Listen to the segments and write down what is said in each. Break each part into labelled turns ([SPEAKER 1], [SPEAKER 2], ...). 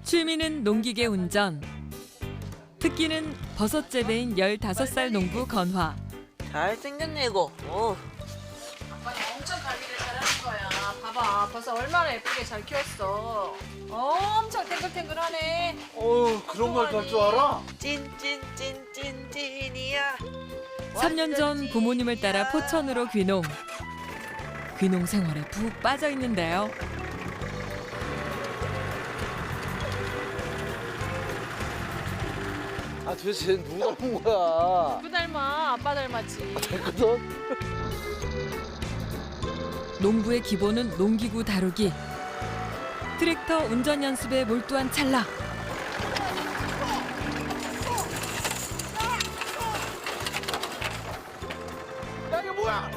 [SPEAKER 1] 취미는 농기계 운전. 특기는 버섯 재배인 15살 농부 건화.
[SPEAKER 2] 잘생겼네 이거.
[SPEAKER 3] 아빠는 엄청 관리를 잘하는 거야. 봐봐, 벌써 얼마나 예쁘게 잘 키웠어. 엄청 탱글탱글하네.
[SPEAKER 4] 그런 걸 할 줄 알아?
[SPEAKER 2] 찐찐찐찐찐이야.
[SPEAKER 1] 3년 전 부모님을 따라 포천으로 귀농. 귀농 생활에 푹 빠져 있는데요.
[SPEAKER 4] 아 도대체 누구 닮은 거야?
[SPEAKER 3] 누구 닮아? 아빠 닮았지.
[SPEAKER 4] 됐거든?
[SPEAKER 1] 농부의 기본은 농기구 다루기. 트랙터 운전 연습에 몰두한 찰나.
[SPEAKER 4] 야 이게 뭐야?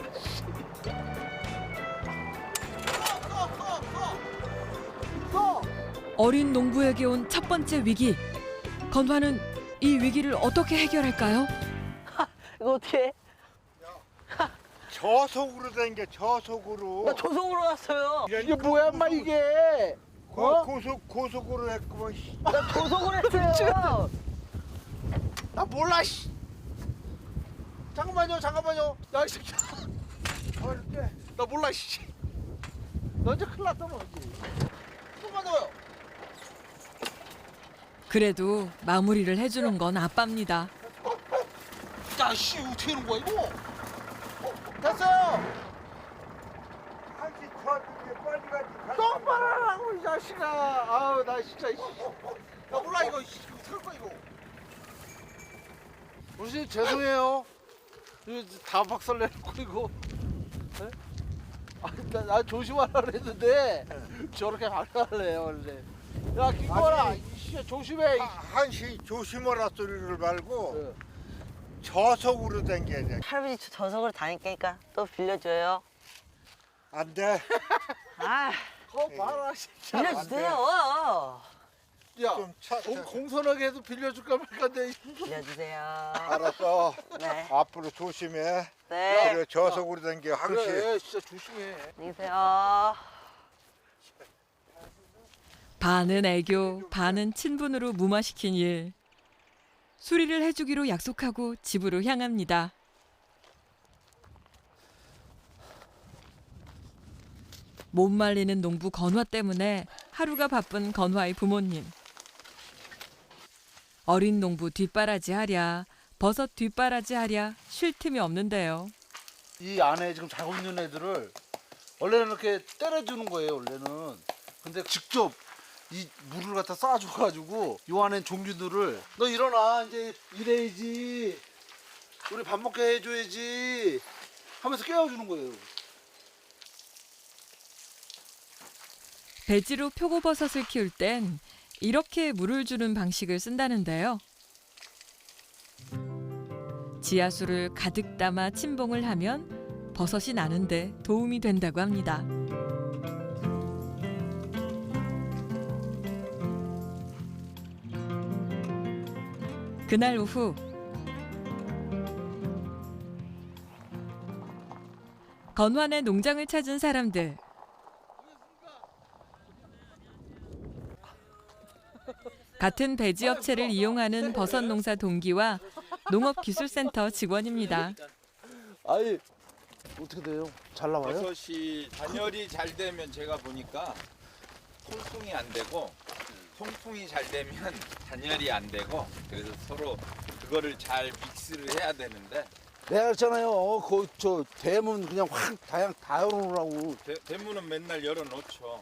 [SPEAKER 1] 어린 농부에게 온 첫 번째 위기. 건화는 이 위기를 어떻게 해결할까요?
[SPEAKER 2] 이거 어떻게?
[SPEAKER 5] 저속으로 다니게 저속으로.
[SPEAKER 2] 나 조성으로 왔어요.
[SPEAKER 4] 이게 뭐야 인마 이게?
[SPEAKER 5] 고속으로 했구만. 씨.
[SPEAKER 2] 나 조성으로 했어요.
[SPEAKER 4] 나 몰라 씨. 잠깐만요. 야 이 새끼야.
[SPEAKER 5] 어렵게.
[SPEAKER 4] 나 몰라 씨. 너 이제 큰일 났다 너 이제. 조금만 더요.
[SPEAKER 1] 그래도 마무리를 해주는 건 아빠입니다.
[SPEAKER 4] 야씨 어떻게 하는 거야 이거? 됐어요.
[SPEAKER 5] 한시 저한테 빨리 가지.
[SPEAKER 4] 똑바로 하라고 이 자식아. 아우 나 진짜. 나 몰라 이거. 어떡할 거야 이거. 무슨 죄송해요. 이거 다 박살내놓고 이거. 네? 나 조심하라 그랬는데 저렇게 안 할래요 원래. 야 김건아, 이씨 조심해.
[SPEAKER 5] 한시 조심하라 소리를 말고
[SPEAKER 4] 네.
[SPEAKER 5] 저속으로 다녀야 돼.
[SPEAKER 2] 할아버지 저석으로 다니니까 또 빌려줘요.
[SPEAKER 5] 안 돼.
[SPEAKER 2] 아,
[SPEAKER 4] 거 봐라 진짜.
[SPEAKER 2] 빌려주세요.
[SPEAKER 4] 야
[SPEAKER 5] 좀 차.
[SPEAKER 4] 공손하게 해도 빌려줄까 말까인데.
[SPEAKER 2] 빌려주세요.
[SPEAKER 5] 알았어.
[SPEAKER 2] 네.
[SPEAKER 5] 앞으로 조심해.
[SPEAKER 2] 네.
[SPEAKER 5] 그래 저속으로 다니게 항시.
[SPEAKER 4] 그래 진짜 조심해.
[SPEAKER 2] 안녕히 계세요.
[SPEAKER 1] 반은 애교, 반은 친분으로 무마시킨 일. 수리를 해주기로 약속하고 집으로 향합니다. 못 말리는 농부 건화 때문에 하루가 바쁜 건화의 부모님. 어린 농부 뒷바라지 하랴, 버섯 뒷바라지 하랴 쉴 틈이 없는데요.
[SPEAKER 4] 이 안에 지금 자고 있는 애들을 원래는 이렇게 때려주는 거예요 원래는. 근데 직접 이 물을 갖다 쏴줘가지고 요 안에 종류들을 너 일어나 이제 일해야지 우리 밥 먹게 해줘야지 하면서 깨워주는 거예요.
[SPEAKER 1] 배지로 표고버섯을 키울 땐 이렇게 물을 주는 방식을 쓴다는데요. 지하수를 가득 담아 침봉을 하면 버섯이 나는데 도움이 된다고 합니다. 그날 오후 건환의 농장을 찾은 사람들. 같은 배지 업체를 이용하는 버섯 농사 동기와 농업기술센터 직원입니다.
[SPEAKER 4] 아니 어떻게 돼요? 잘 나와요?
[SPEAKER 6] 버섯이 단열이 잘 되면 제가 보니까 통풍이 안 되고 통풍이 잘 되면 단열이 안 되고 그래서 서로 그거를 잘 믹스를 해야 되는데
[SPEAKER 4] 내가 그랬잖아요. 저 대문 그냥 확 다 열어놓으라고.
[SPEAKER 6] 대문은 맨날 열어놓죠.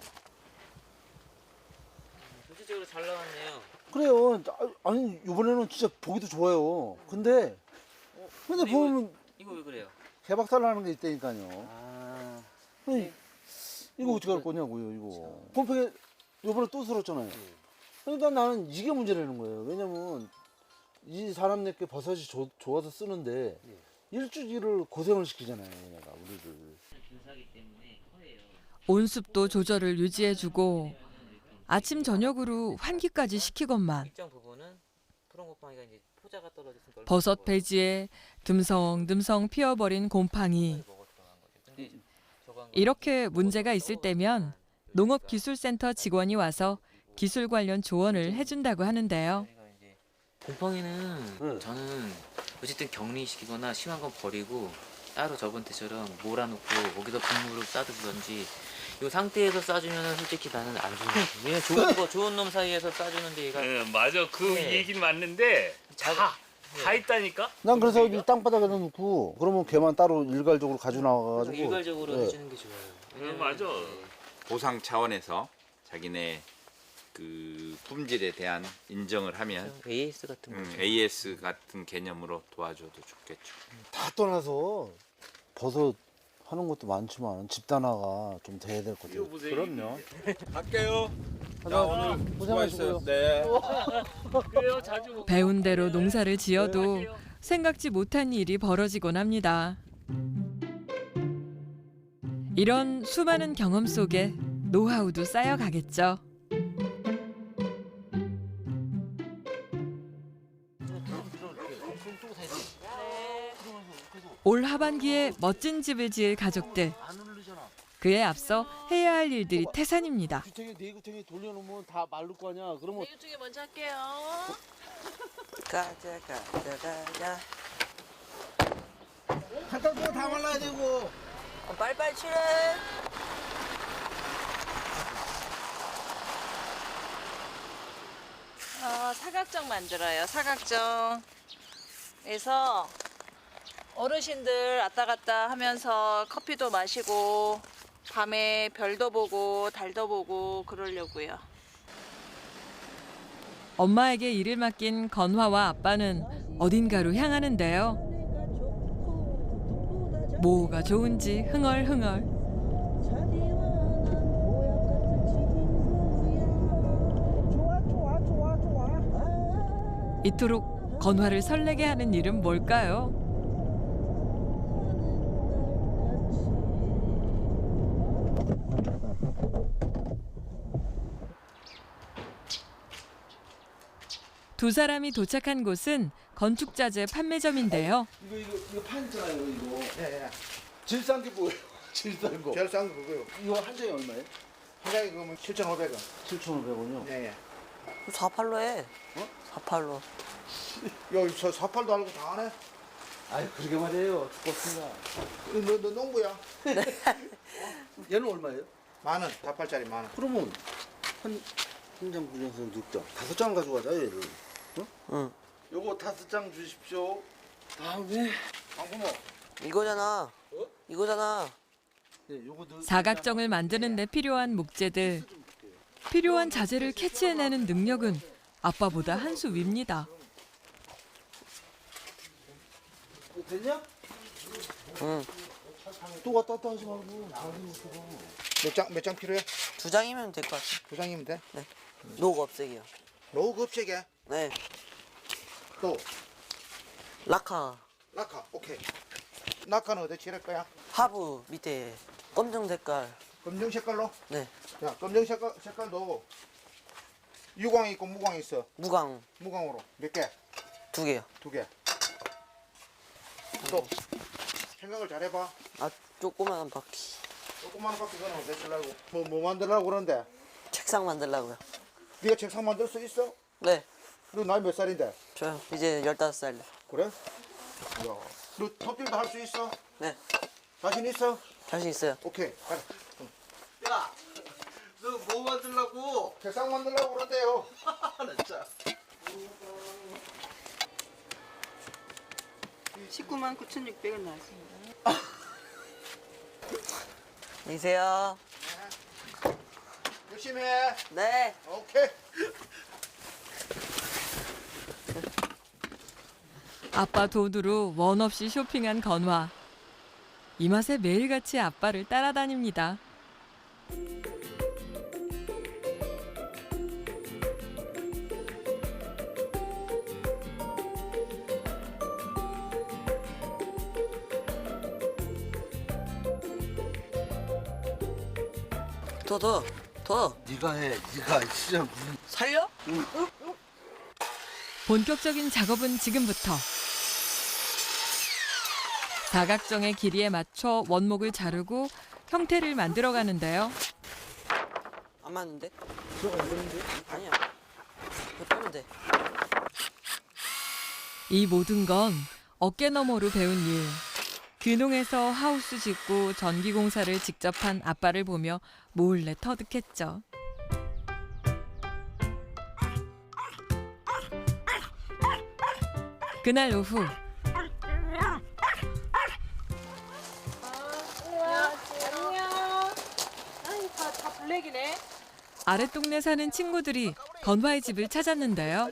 [SPEAKER 2] 전체적으로 잘 나왔네요.
[SPEAKER 4] 그래요. 아니 이번에는 진짜 보기도 좋아요. 근데 보면
[SPEAKER 2] 이거 왜 그래요?
[SPEAKER 4] 개박살 나는 게 있다니까요.
[SPEAKER 2] 아,
[SPEAKER 4] 아니, 이거 어떻게 할 거냐고요 이거. pom팩에 이번에 또 쓸었잖아요. 그러니까 나는 이게 문제라는 거예요. 왜냐면 이 사람 내게 버섯이 좋아서 쓰는데 일주일을 고생을 시키잖아요 얘네가 우리를.
[SPEAKER 1] 온습도 조절을 유지해주고 아침 저녁으로 환기까지 시키건만
[SPEAKER 2] 일정 부분은 푸른곰팡이가 이제 포자가 떨어져서
[SPEAKER 1] 버섯 배지에 듬성듬성 피어버린 곰팡이. 이렇게 문제가 있을 때면 농업기술센터 직원이 와서 기술 관련 조언을 해준다고 하는데요.
[SPEAKER 2] 저희가 이제 곰팡이는
[SPEAKER 4] 네.
[SPEAKER 2] 저는 어쨌든 격리시키거나 심한 건 버리고 따로 저번 때처럼 몰아놓고 거기서 분무를 싸두든지 이 상태에서 싸주면 솔직히 나는 안 좋은 거 왜냐면 좋은 거 좋은 놈 사이에서 싸주는데 얘가
[SPEAKER 7] 맞아. 그
[SPEAKER 2] 네.
[SPEAKER 7] 얘기는 맞는데 다 있다니까.
[SPEAKER 4] 난 그래서 이 땅바닥에다 놓고 그러면 걔만 따로 일괄적으로 가지고 나와가지고
[SPEAKER 2] 일괄적으로
[SPEAKER 4] 네.
[SPEAKER 2] 해주는 게 좋아요. 왜냐면
[SPEAKER 7] 맞아.
[SPEAKER 6] 보상 차원에서 자기네 그 품질에 대한 인정을 하면
[SPEAKER 2] AS 같은 거.
[SPEAKER 6] AS 같은 개념으로 도와줘도 좋겠죠.
[SPEAKER 4] 다 떠나서 버섯 하는 것도 많지만 집단화가 좀 돼야 될 것 같아요. 그럼요.
[SPEAKER 6] 갈게요.
[SPEAKER 4] 자, 오늘 고생하셨어요.
[SPEAKER 6] 네.
[SPEAKER 7] 그래요. 자주.
[SPEAKER 1] 배운 대로 농사를 지어도 생각지 못한 일이 벌어지곤 합니다. 이런 수많은 경험 속에 노하우도 쌓여가겠죠. 올 하반기에 멋진 집을 지을 가족들.
[SPEAKER 4] 안 흐르잖아.
[SPEAKER 1] 그에 앞서 해야 할 일들이 태산입니다.
[SPEAKER 4] 네 구탱이 돌려놓으면 다 마를 거 아니야. 그러면
[SPEAKER 3] 이것 중에 먼저 할게요.
[SPEAKER 2] 가자.
[SPEAKER 4] 갖다 주고 다 말라야 되고.
[SPEAKER 2] 빨리빨리 칠해.
[SPEAKER 3] 사각정 만들어요. 사각정에서 어르신들 왔다 갔다 하면서 커피도 마시고 밤에 별도 보고 달도 보고 그러려고요.
[SPEAKER 1] 엄마에게 일을 맡긴 건화와 아빠는 어딘가로 향하는데요. 뭐가 좋은지 흥얼흥얼. 이토록 건화를 설레게 하는 일은 뭘까요? 두 사람이 도착한 곳은 건축자재 판매점인데요.
[SPEAKER 4] 이거 판 있잖아요. 이거. 예. 질싼 게 뭐예요? 질싼 거.
[SPEAKER 5] 제일 싼 거 그거요.
[SPEAKER 4] 이거 한 장에 얼마예요?
[SPEAKER 5] 한 장에 그거면 7,500원.
[SPEAKER 4] 7,500원이요.
[SPEAKER 5] 예.
[SPEAKER 2] 4팔로 해.
[SPEAKER 5] 어?
[SPEAKER 2] 4팔로.
[SPEAKER 5] 여기 저 사팔도 알고 다 하네.
[SPEAKER 4] 아유 그러게 말이에요. 죽겠습니다.
[SPEAKER 5] 너 농부야?
[SPEAKER 4] 얘는 얼마예요?
[SPEAKER 5] 10,000원. 4팔짜리 10,000원.
[SPEAKER 4] 그러면 한장 분량에서 6장. 5장 가져가자 얘를. 어?
[SPEAKER 2] 응.
[SPEAKER 4] 요거 5장 주십시오. 다음에 방구모.
[SPEAKER 2] 이거잖아. 이거잖아.
[SPEAKER 4] 네, 요거 넣.
[SPEAKER 1] 사각정을 만드는 데 필요한 목재들. 필요한 자재를 캐치해내는 능력은 아빠보다 한 수 위입니다.
[SPEAKER 4] 됐냐?
[SPEAKER 2] 응.
[SPEAKER 4] 또 왔다 갔다 하지 말고.
[SPEAKER 5] 몇 장 필요해?
[SPEAKER 2] 2장이면 될 것 같아.
[SPEAKER 5] 2장이면 돼?
[SPEAKER 2] 녹 없애기요.
[SPEAKER 5] 로그 업체게.
[SPEAKER 2] 네.
[SPEAKER 5] 또
[SPEAKER 2] 라카.
[SPEAKER 5] 라카. 오케이. 라카는 어디 칠할 거야?
[SPEAKER 2] 하부 밑에 검정 색깔.
[SPEAKER 5] 검정 색깔로?
[SPEAKER 2] 네.
[SPEAKER 5] 자, 검정 색깔도 유광이 있고 무광이 있어.
[SPEAKER 2] 무광
[SPEAKER 5] 무광으로 몇 개?
[SPEAKER 2] 2개요.
[SPEAKER 5] 2개. 또 생각을 잘해봐.
[SPEAKER 2] 아, 조그만한 바퀴.
[SPEAKER 5] 조그마한 바퀴 그는 어디 쓰려고? 뭐 만들려고 그러는데?
[SPEAKER 2] 책상 만들라고요.
[SPEAKER 5] 네가 책상 만들 수 있어?
[SPEAKER 2] 네.
[SPEAKER 5] 너 나이 몇 살인데?
[SPEAKER 2] 저요. 이제 15살.
[SPEAKER 5] 그래? 야, 너 톱질도 할 수 있어?
[SPEAKER 2] 네.
[SPEAKER 5] 자신 있어?
[SPEAKER 2] 자신 있어요.
[SPEAKER 5] 오케이. 가자.
[SPEAKER 4] 야, 너 뭐 만들라고?
[SPEAKER 5] 책상 만들려고 그런대요.
[SPEAKER 4] 진짜.
[SPEAKER 8] 199,600원 나왔습니다.
[SPEAKER 2] 안녕하세요.
[SPEAKER 5] 열심히 해.
[SPEAKER 2] 네.
[SPEAKER 5] 오케이.
[SPEAKER 1] 아빠 돈으로 원 없이 쇼핑한 건화. 이 맛에 매일같이 아빠를 따라다닙니다.
[SPEAKER 2] 더.
[SPEAKER 4] 네가 해. 네가 진짜 무슨.
[SPEAKER 2] 살려?
[SPEAKER 1] 본격적인 작업은 지금부터. 사각정의 길이에 맞춰 원목을 자르고 형태를 만들어 가는데요.
[SPEAKER 9] 안 맞는데? 그거 안 되는데? 아니야. 그거 빼면 돼.
[SPEAKER 1] 이 모든 건 어깨 너머로 배운 일. 귀농해서 하우스 짓고 전기공사를 직접 한 아빠를 보며 몰래 터득했죠. 그날 오후
[SPEAKER 3] 안녕. 아니 다 블랙이네.
[SPEAKER 1] 아랫동네 사는 친구들이 건화의 집을 찾았는데요.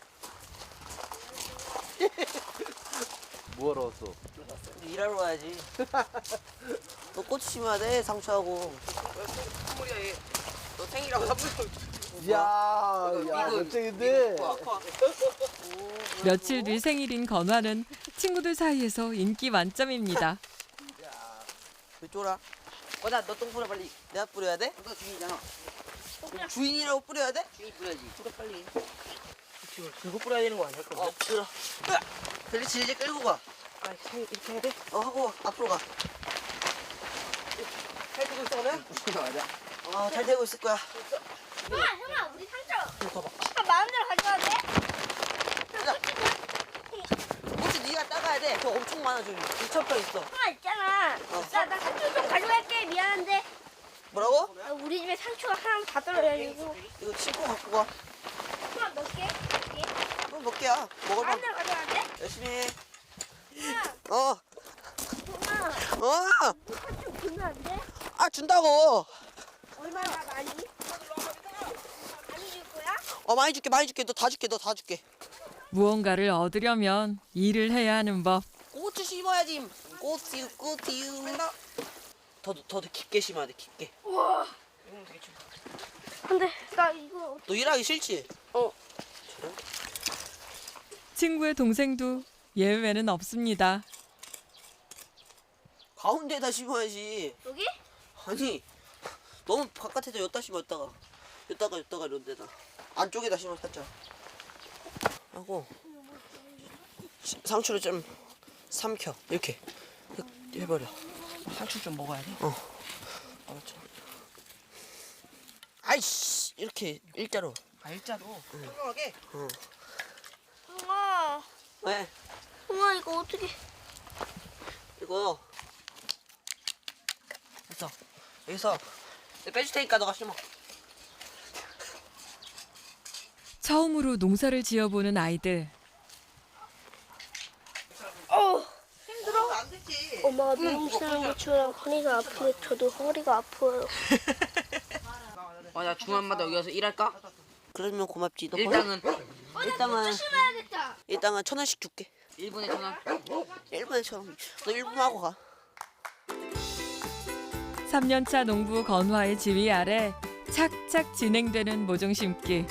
[SPEAKER 4] 뭐하러 왔어?
[SPEAKER 9] 일하러 가야지. 너 꽃 심어야 돼, 상추하고. 선물이야, 얘. 너 생일하고 선물.
[SPEAKER 4] 이야, 멋쟁인데.
[SPEAKER 1] 며칠 뒤 생일인 건화는 친구들 사이에서 인기 만점입니다.
[SPEAKER 9] 왜 쫄아? 나 너 똥 뿌려, 빨리. 내가 뿌려야 돼? 너 주인이잖아. 주인이라고 뿌려야 돼? 주인이 뿌려야지. 뿌려, 빨리. 지금 들고 뿌려야 되는 거 아니야? 뿌려. 벨리 질질 끌고 가. 이렇게 해야 돼? 하고 앞으로 가. 잘 되고 있어, 오늘? 맞아. 잘 되고 있을 거야.
[SPEAKER 10] 형아, 우리 상처. 마음대로 가져가도 돼?
[SPEAKER 9] 혹시 네가 따가야 돼. 저 엄청 많아, 저기. 2,000평 있어.
[SPEAKER 10] 형아 있잖아. 나 상처 좀 가져갈게. 미안한데.
[SPEAKER 9] 뭐라고?
[SPEAKER 10] 우리 집에 상처가 하나 다 떨어져가지고.
[SPEAKER 9] 이거 친구 갖고 가.
[SPEAKER 10] 형아 몇 개? 몇 개?
[SPEAKER 9] 그럼 몇 개야? 먹어봐.
[SPEAKER 10] 마음대로 가져가도 돼?
[SPEAKER 9] 열심히 해.
[SPEAKER 10] 형아,
[SPEAKER 9] 어.
[SPEAKER 10] 형아. 상처 주면 안 돼?
[SPEAKER 9] 준다고.
[SPEAKER 10] 얼마나 많이? 많이 줄 거야?
[SPEAKER 9] 많이 줄게, 많이 줄게. 너 다 줄게.
[SPEAKER 1] 무언가를 얻으려면 일을 해야 하는 법.
[SPEAKER 9] 고추 심어야지. 꽃이유. 더 깊게 심어야 돼, 깊게.
[SPEAKER 10] 우와. 근데 나 이거
[SPEAKER 9] 너 일하기 싫지?
[SPEAKER 1] 친구의 동생도 예외는 없습니다.
[SPEAKER 9] 가운데에다 심어야지.
[SPEAKER 10] 여기?
[SPEAKER 9] 아니, 너무 바깥에다 엿다 심어, 엿다가 이런 데다. 안쪽에다 심어, 살짝. 하고, 상추를 좀 삼켜, 이렇게. 해버려. 상추 좀 먹어야 돼? 알았죠. 아이씨, 이렇게, 일자로. 일자로? 평평하게?
[SPEAKER 10] 형아.
[SPEAKER 9] 왜?
[SPEAKER 10] 형아 이거 어떻게?
[SPEAKER 9] 이거. 됐어. 여기서 내가 빼줄 테니까 너가 심어.
[SPEAKER 1] 처음으로 농사를 지어보는 아이들.
[SPEAKER 10] 힘들어?
[SPEAKER 9] 안 되지.
[SPEAKER 10] 엄마가 미용실하는 거 치우랑 허리가 아프게 저도 허리가 아파요.
[SPEAKER 8] 나 주말마다 여기 와서 일할까?
[SPEAKER 9] 그러면 고맙지. 너
[SPEAKER 8] 일당은
[SPEAKER 10] 조심해야겠다.
[SPEAKER 9] 일당은 1,000원씩 줄게.
[SPEAKER 8] 1분에 1,000원.
[SPEAKER 9] 1분에 1,000원. 너 1분 하고 가.
[SPEAKER 1] 3년차 농부 건화의 지휘 아래 착착 진행되는 모종 심기.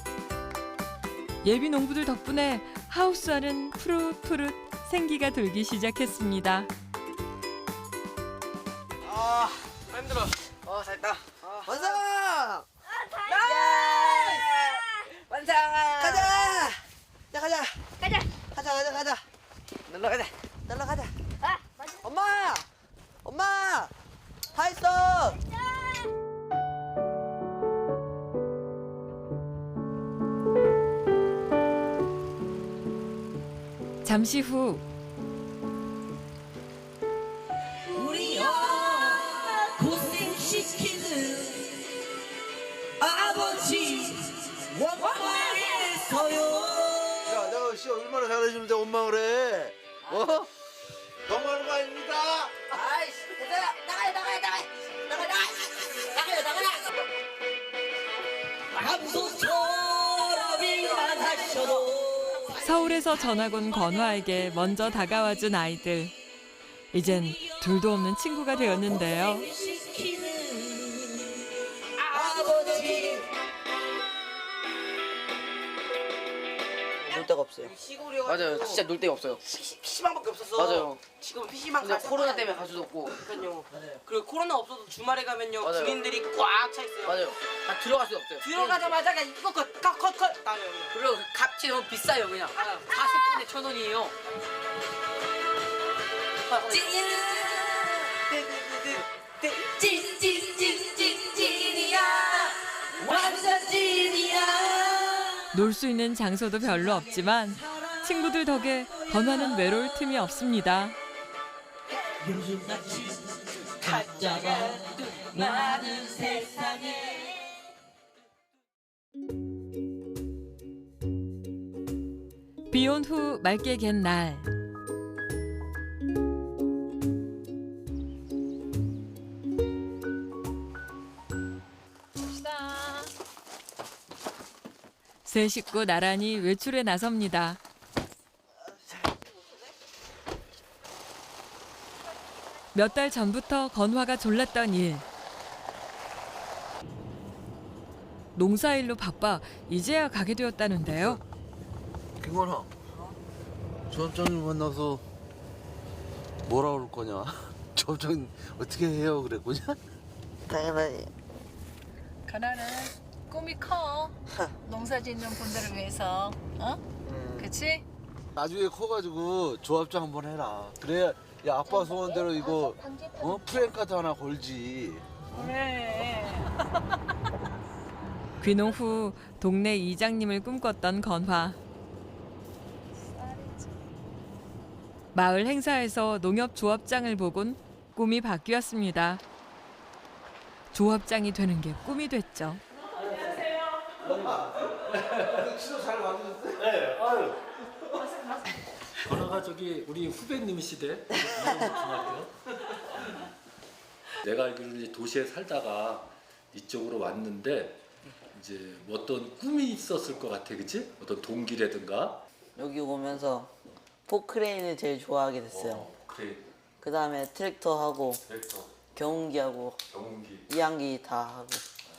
[SPEAKER 1] 예비 농부들 덕분에 하우스 안은 푸릇푸릇 생기가 돌기 시작했습니다.
[SPEAKER 8] 힘들어. 잘했다.
[SPEAKER 9] 완성!
[SPEAKER 8] 완성!
[SPEAKER 9] 가자! 자, 가자.
[SPEAKER 10] 가자.
[SPEAKER 9] 가자.
[SPEAKER 8] 놀러 가자.
[SPEAKER 9] 날라 가자.
[SPEAKER 10] 아, 맞아.
[SPEAKER 9] 엄마! 다 했어!
[SPEAKER 1] 잠시 후
[SPEAKER 4] 야, 내가 씨 얼마나 잘해주는데 원망을 해. 너무하는 거 아닙니다.
[SPEAKER 9] 아이씨, 얘들아, 나가요.
[SPEAKER 1] 서울에서 전학 온 건화에게 먼저 다가와준 아이들. 이젠 둘도 없는 친구가 되었는데요.
[SPEAKER 9] 놀 데가 없어요.
[SPEAKER 8] 맞아요. 진짜 놀 데가 없어요.
[SPEAKER 9] PC방밖에 없었어.
[SPEAKER 8] 맞아요.
[SPEAKER 9] 지금 PC방
[SPEAKER 8] 근데 코로나 때문에 갈 수도 없고.
[SPEAKER 9] 그러니까요. 그리고 코로나 없어도 주말에 가면요.
[SPEAKER 8] 맞아요.
[SPEAKER 9] 주민들이 꽉 차 있어요.
[SPEAKER 8] 맞아요. 다 들어갈 수 없어요.
[SPEAKER 9] 들어가자마자 그냥 이거 컷. 나요.
[SPEAKER 8] 그리고 값이 너무 비싸요, 그냥. 40분에 1,000원이에요.
[SPEAKER 9] 찐이야.
[SPEAKER 1] 놀 수 있는 장소도 별로 없지만 친구들 덕에 건화는 외로울 틈이 없습니다. 비온 후 맑게 갠 날.
[SPEAKER 3] 갑시다.
[SPEAKER 1] 세 식구 나란히 외출에 나섭니다. 몇 달 전부터 건화가 졸랐던 일. 농사일로 바빠 이제야 가게 되었다는데요.
[SPEAKER 4] 김건아, 조합장님 만나서 뭐라 그럴 거냐? 조합장님 어떻게 해요 그랬거냐?
[SPEAKER 9] 당연하지.
[SPEAKER 3] 가나는 꿈이 커. 농사 짓는 분들을 위해서. 어? 그치?
[SPEAKER 4] 나중에 커가지고 조합장 한번 해라. 그래야 야 아빠 소원대로 이거 프랭카드 하나 걸지.
[SPEAKER 3] 그래.
[SPEAKER 1] 귀농 후 동네 이장님을 꿈꿨던 건화. 마을 행사에서 농협 조합장을 보곤 꿈이 바뀌었습니다. 조합장이 되는 게 꿈이 됐죠.
[SPEAKER 11] 네, 아유. 건화가 저기 우리 후배님이시대. 중학교. 내가 알기로는 이제 도시에 살다가 이쪽으로 왔는데 이제 뭐 어떤 꿈이 있었을 것 같아, 그치? 어떤 동기라든가.
[SPEAKER 9] 여기 오면서 포크레인을 제일 좋아하게 됐어요.
[SPEAKER 11] 그래.
[SPEAKER 9] 그 다음에 트랙터 하고
[SPEAKER 11] 트랙터,
[SPEAKER 9] 경운기하고
[SPEAKER 11] 경운기.
[SPEAKER 9] 이항기 다 하고.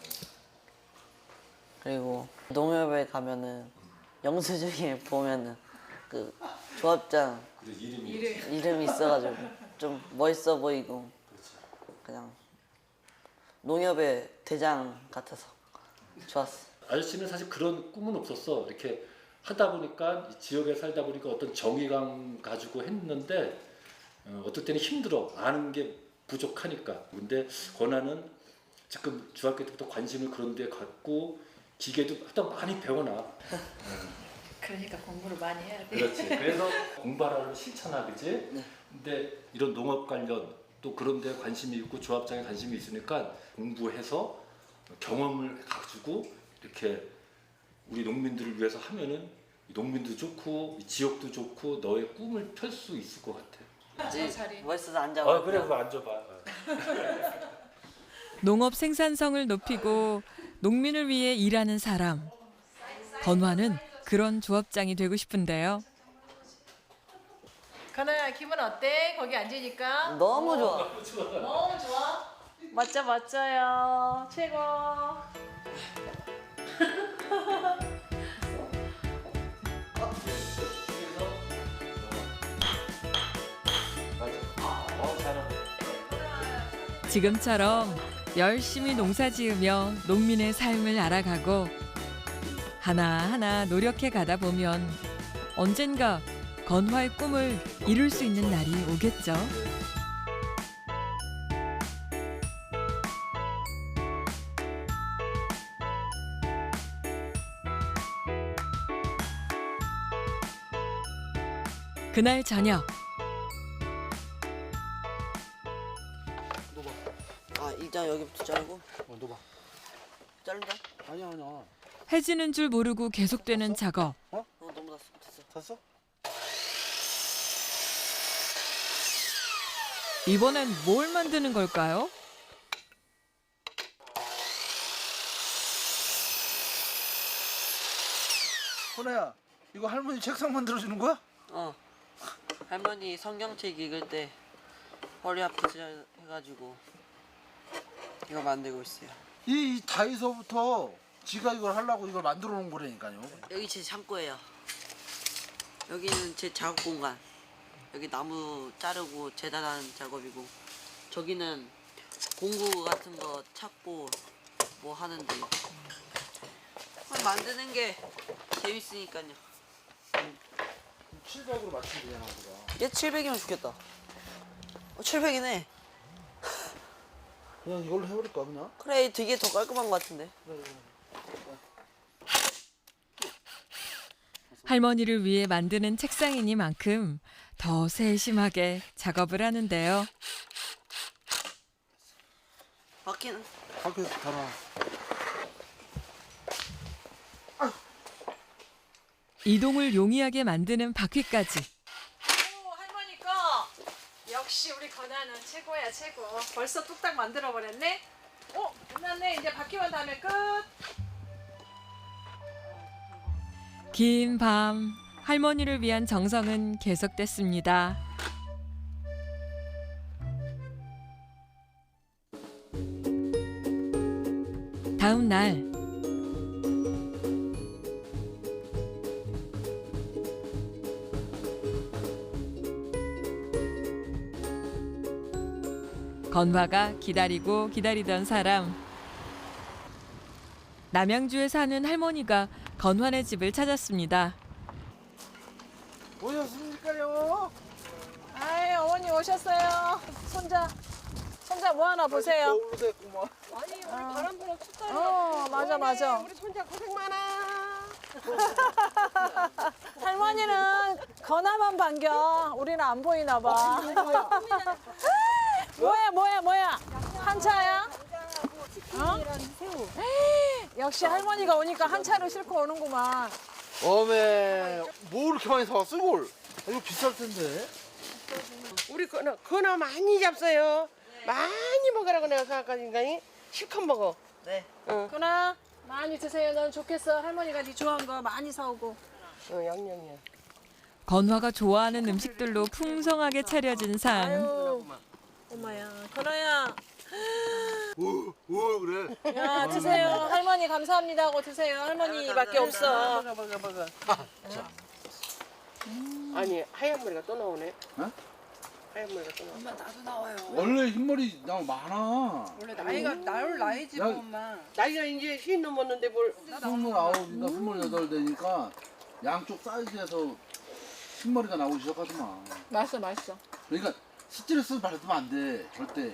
[SPEAKER 9] 그리고 농협에 가면은 영수증에 보면은 그 조합장
[SPEAKER 11] 그래, 이름이.
[SPEAKER 9] 이름이 있어가지고 좀 멋있어 보이고 그냥 농협의 대장 같아서 좋았어.
[SPEAKER 11] 아저씨는 사실 그런 꿈은 없었어. 이렇게 하다 보니까 이 지역에 살다 보니까 어떤 정의감 가지고 했는데 어떨 때는 힘들어. 아는 게 부족하니까. 근데 권하는 지금 중학교 때부터 관심을 그런 데 갖고 기계도 하여튼 많이 배워놔.
[SPEAKER 3] 그러니까 공부를 많이 해야 돼.
[SPEAKER 11] 그렇지. 그래서 공부하라고 실천하, 그지? 근데 이런 농업 관련 또 그런 데 관심이 있고 조합장에 관심이 있으니까 공부해서 경험을 가지고 이렇게 우리 농민들을 위해서 하면은 이 농민도 좋고 이 지역도 좋고 너의 꿈을 펼 수 있을 것 같아.
[SPEAKER 3] 자리.
[SPEAKER 9] 멋있어서 앉아봐.
[SPEAKER 11] 그래, 그거 앉아봐.
[SPEAKER 1] 농업 생산성을 높이고 농민을 위해 일하는 사람. 건화는 그런 조합장이 되고 싶은데요.
[SPEAKER 3] 가나야 기분 어때? 거기 앉으니까?
[SPEAKER 9] 너무 좋아.
[SPEAKER 3] 너무 좋아? 맞죠 멋져요. 최고.
[SPEAKER 1] 지금처럼 열심히 농사 지으며 농민의 삶을 알아가고 하나하나 노력해 가다 보면 언젠가 건화의 꿈을 이룰 수 있는 날이 오겠죠. 그날 저녁.
[SPEAKER 9] 아 일단 여기부터 자르고.
[SPEAKER 4] 넣어봐.
[SPEAKER 9] 자른다.
[SPEAKER 4] 아니야.
[SPEAKER 1] 해지는 줄 모르고 계속되는 작업.
[SPEAKER 9] 너무 났어. 됐어.
[SPEAKER 4] 샀어?
[SPEAKER 1] 이번엔 뭘 만드는 걸까요?
[SPEAKER 4] 호나야, 이거 할머니 책상 만들어주는 거야?
[SPEAKER 9] 할머니 성경책 읽을 때 허리 아프지 해가지고 이거 만들고 있어요.
[SPEAKER 4] 이 다이소부터 지가 이걸 하려고 이걸 만들어 놓은 거라니까요.
[SPEAKER 9] 여기 제 창고예요. 여기는 제 작업 공간. 여기 나무 자르고 재단하는 작업이고 저기는 공구 같은 거 찾고 뭐 하는데 만드는 게 재밌으니까요.
[SPEAKER 4] 700으로 맞추면 되잖아, 보다.
[SPEAKER 9] 얘 700이면 좋겠다. 700이네.
[SPEAKER 4] 그냥 이걸로 해버릴까 그냥?
[SPEAKER 9] 그래 되게 더 깔끔한 것 같은데.
[SPEAKER 1] 할머니를 위해 만드는 책상이니만큼 더 세심하게 작업을 하는데요.
[SPEAKER 9] 바퀴는
[SPEAKER 4] 밖에서 달아.
[SPEAKER 1] 이동을 용이하게 만드는 바퀴까지.
[SPEAKER 3] 오, 할머니 거. 역시 우리 건아는 최고야 최고. 벌써 뚝딱 만들어 버렸네. 오, 끝났네. 이제 바퀴만 다음에 끝.
[SPEAKER 1] 긴 밤, 할머니를 위한 정성은 계속됐습니다. 다음 날, 건화가 기다리고 기다리던 사람. 남양주에 사는 할머니가 건화네 집을 찾았습니다.
[SPEAKER 4] 오셨습니까요?
[SPEAKER 3] 아이, 어머니 오셨어요. 손자 뭐 하나 보세요.
[SPEAKER 4] 겨울로 됐구만.
[SPEAKER 3] 아니, 우리 바람 불어 춥다. 맞아.
[SPEAKER 9] 우리 손자 고생 많아.
[SPEAKER 3] 할머니는 건아만 반겨. 우리는 안 보이나 봐. 뭐야? 한차야? 어? 역시 할머니가 오니까 한차를 싣고 오는구만.
[SPEAKER 4] 어메, 뭐 이렇게 많이 사왔어 이걸? 이거 비쌀 텐데.
[SPEAKER 9] 우리 건어 많이 잡어요. 많이 먹으라고 내가 생각하니까 실컷 먹어. 네.
[SPEAKER 3] 건아, 많이 드세요. 넌 좋겠어. 할머니가 네 좋아하는 거 많이 사오고.
[SPEAKER 9] 양념이야.
[SPEAKER 1] 건화가 좋아하는 음식들로 풍성하게 차려진 상.
[SPEAKER 3] 아유, 엄마야. 건아야.
[SPEAKER 4] 오 그래.
[SPEAKER 3] 야, 드세요. 할머니 감사합니다 하고 드세요. 할머니밖에 없어.
[SPEAKER 9] 먹어. 아니 하얀 머리가 또 나오네.
[SPEAKER 4] 어?
[SPEAKER 9] 하얀 머리가 또 나와.
[SPEAKER 8] 나도 나와요.
[SPEAKER 4] 원래 흰머리 나 많아.
[SPEAKER 8] 원래 나이지
[SPEAKER 4] 나-
[SPEAKER 8] 엄마.
[SPEAKER 9] 나이가 이제 50 넘었는데 뭘?
[SPEAKER 4] 29인가 28 되니까 양쪽 사이즈에서 흰머리가 나오기 시작하더만.
[SPEAKER 3] 맛있어.
[SPEAKER 4] 그러니까 스트레스 받으면 안 돼. 절대.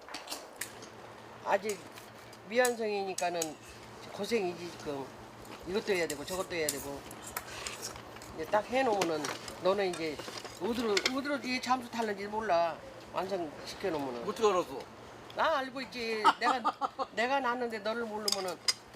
[SPEAKER 9] 아직 미완성이니까는 고생이지 지금. 이것도 해야 되고 저것도 해야 되고. 이제 딱 해놓으면은 너는 이제 어디로 이게 잠수 탈는지 몰라. 완성 시켜놓으면은.
[SPEAKER 4] 어떻게 알았어?
[SPEAKER 9] 나 알고 있지. 내가 낳았는데 너를 모르면은.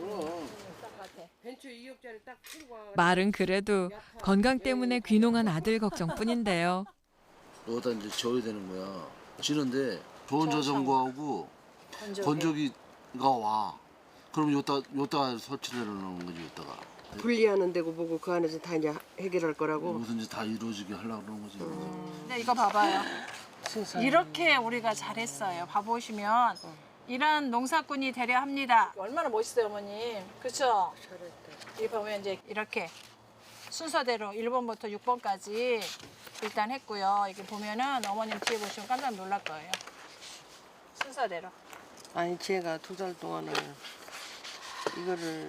[SPEAKER 9] 벤츠 2억짜리 딱 풀고 와.
[SPEAKER 1] 말은 그래도 건강 때문에 귀농한 아들 걱정뿐인데요.
[SPEAKER 4] 여기다 이제 지어야 되는 거야. 지는데 좋은 자전거하고 건조기가 와. 그럼 요따 설치를 해놓는 거지, 요따가.
[SPEAKER 9] 분리하는 데고 뭐고 그 안에서 다 이제 해결할 거라고.
[SPEAKER 4] 무슨지 다 이루어지게 하려고 그러는 거지.
[SPEAKER 3] 근데 이거 봐봐요. 이렇게 우리가 잘했어요. 봐보시면 이런 농사꾼이 되려 합니다. 얼마나 멋있어요, 어머님. 그렇죠? 이 보면 이제 이렇게 순서대로 1번부터 6번까지 일단 했고요. 이게 보면은 어머님 뒤에 보시면 깜짝 놀랄 거예요. 순서대로.
[SPEAKER 9] 아니 제가 2달 동안을 이거를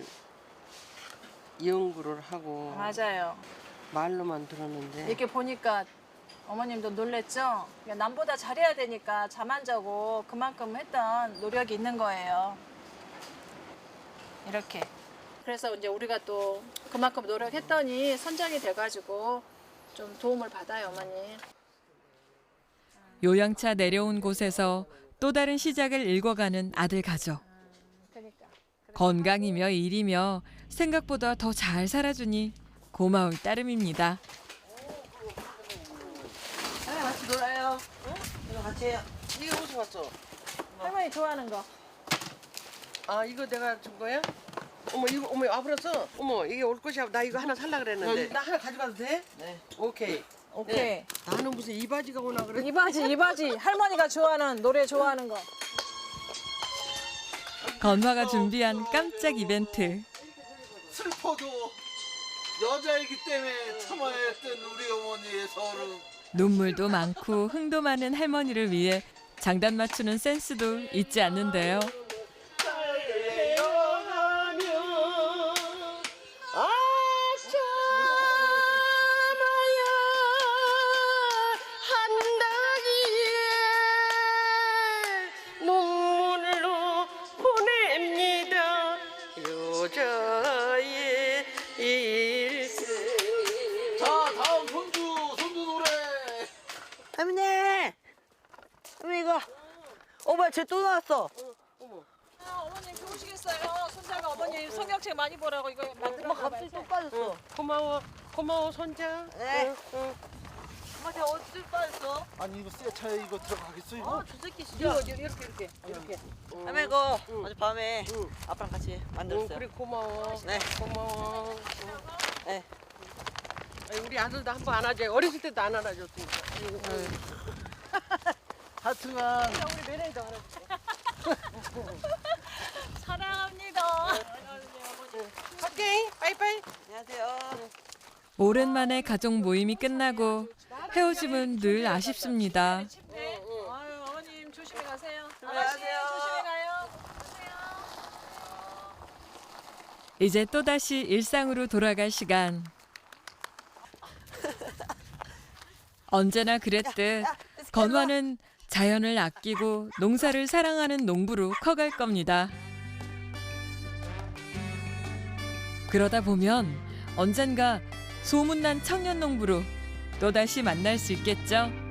[SPEAKER 9] 연구를 하고
[SPEAKER 3] 맞아요.
[SPEAKER 9] 말로만 들었는데
[SPEAKER 3] 이렇게 보니까 어머님도 놀랬죠? 남보다 잘해야 되니까 잠 안 자고 그만큼 했던 노력이 있는 거예요. 이렇게. 그래서 이제 우리가 또 그만큼 노력했더니 선장이 돼가지고 좀 도움을 받아요, 어머니.
[SPEAKER 1] 요양차 내려온 곳에서 또 다른 시작을 읽어가는 아들 가족.
[SPEAKER 3] 그러니까.
[SPEAKER 1] 건강이며 일이며 생각보다 더 잘 살아주니 고마울 따름입니다.
[SPEAKER 9] 같이 놀아요. 응? 이거 같이 해요. 이게 무슨 왔어?
[SPEAKER 3] 할머니 좋아하는 거.
[SPEAKER 9] 아 이거 내가 준 거야? 어머 와버렸어. 어머 이게 올 것이야. 나 이거 하나 살라 그랬는데. 나 하나 가져가도 돼? 네. 오케이.
[SPEAKER 3] 오케이.
[SPEAKER 9] 네. 나는 무슨 이 바지가 오나 그래?
[SPEAKER 3] 이 바지. 할머니가 좋아하는, 노래 좋아하는 거.
[SPEAKER 1] 건화가 준비한 깜짝 이벤트.
[SPEAKER 4] 슬퍼도 여자이기 때문에 참아야 했던 우리 어머니의 서름.
[SPEAKER 1] 눈물도 많고 흥도 많은 할머니를 위해 장단 맞추는 센스도 잊지 않는데요.
[SPEAKER 9] 눈물로 보냅니다. 여자의 일생. 쟤 또 나왔어.
[SPEAKER 3] 어머님 좋으시겠어요. 손자가 어머님 성경책 많이 보라고 이거 만들어
[SPEAKER 9] 엄마 갑자기 또 빠졌어.
[SPEAKER 12] 고마워 손자.
[SPEAKER 9] 네. 엄마 쟤 어디 빠졌어?
[SPEAKER 4] 아니 이거 새 차에 이거 들어가겠어 이거?
[SPEAKER 9] 저 새끼 진짜.
[SPEAKER 3] 이렇게.
[SPEAKER 9] 할머니 이거 어젯밤에 아빠랑 같이 만들었어요.
[SPEAKER 12] 그래 고마워.
[SPEAKER 9] 네.
[SPEAKER 12] 고마워.
[SPEAKER 9] 네.
[SPEAKER 12] 아니, 우리 아들도 한 번 안아줘. 어렸을 때도 안 안아줬으니까.
[SPEAKER 4] 하여튼간
[SPEAKER 12] 우리 매너도 안아줄게.
[SPEAKER 3] 사랑합니다.
[SPEAKER 12] 오케이. 빠이빠이.
[SPEAKER 9] 안녕하세요.
[SPEAKER 1] 오랜만에 가족 모임이 끝나고 헤어짐은 늘 아쉽습니다.
[SPEAKER 3] 네. 아유 어머님 조심히 가세요.
[SPEAKER 9] 안녕하세요.
[SPEAKER 3] 조심히 가요.
[SPEAKER 1] 이제 또다시 일상으로 돌아갈 시간. 언제나 그랬듯 건화는 자연을 아끼고 농사를 사랑하는 농부로 커갈 겁니다. 그러다 보면 언젠가 소문난 청년 농부로 또다시 만날 수 있겠죠.